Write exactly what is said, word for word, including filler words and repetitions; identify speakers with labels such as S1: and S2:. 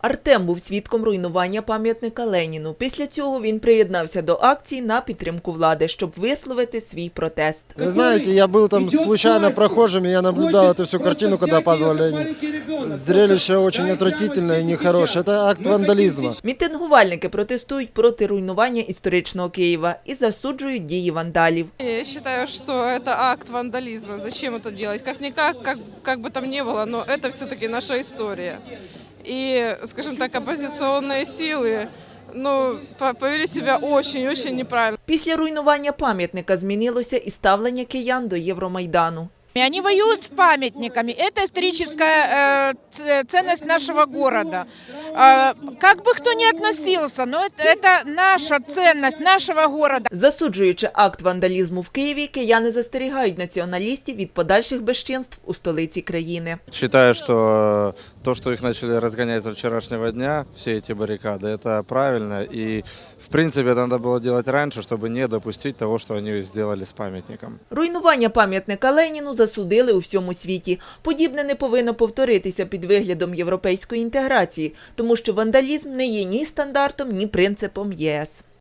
S1: Артем був свідком руйнування пам'ятника Леніну. Після цього він приєднався до акції на підтримку влади, щоб висловити свій протест.
S2: Вы знаете, я был там случайно прохожим, и я наблюдал эту всю картину, когда падал Ленин. Зрелище очень отвратительное и нехорошее. Это акт вандализма.
S1: Мітингувальники протестують проти руйнування історичного Києва і засуджують дії вандалів.
S3: Я считаю, что это акт вандализма. Зачем это делать? Как-никак, как, как бы там ни было, но это все-таки наша история. И, скажем так, оппозиционные силы ну, повели себя очень-очень неправильно.
S1: Після руйнування пам'ятника змінилося і ставлення киян до Євромайдану.
S4: Они воюют с памятниками. Это историческая э, ценность нашего города. Э, как бы кто ни относился, но это, это наша ценность нашего города.
S1: Засуджуючи акт вандалізму в Києві, кияни застерігають націоналістів від подальших безчинств у столиці країни.
S5: Считаю, что то, что их начали разгонять со вчерашнего дня, все эти баррикады, это правильно. И, в принципе, это надо было делать раньше, чтобы не допустить того, что они сделали с памятником.
S1: Руйнування пам'ятника Леніну засудили у всьому світі. Подібне не повинно повторитися під виглядом європейської інтеграції, тому що вандалізм не є ні стандартом, ні принципом ЄС.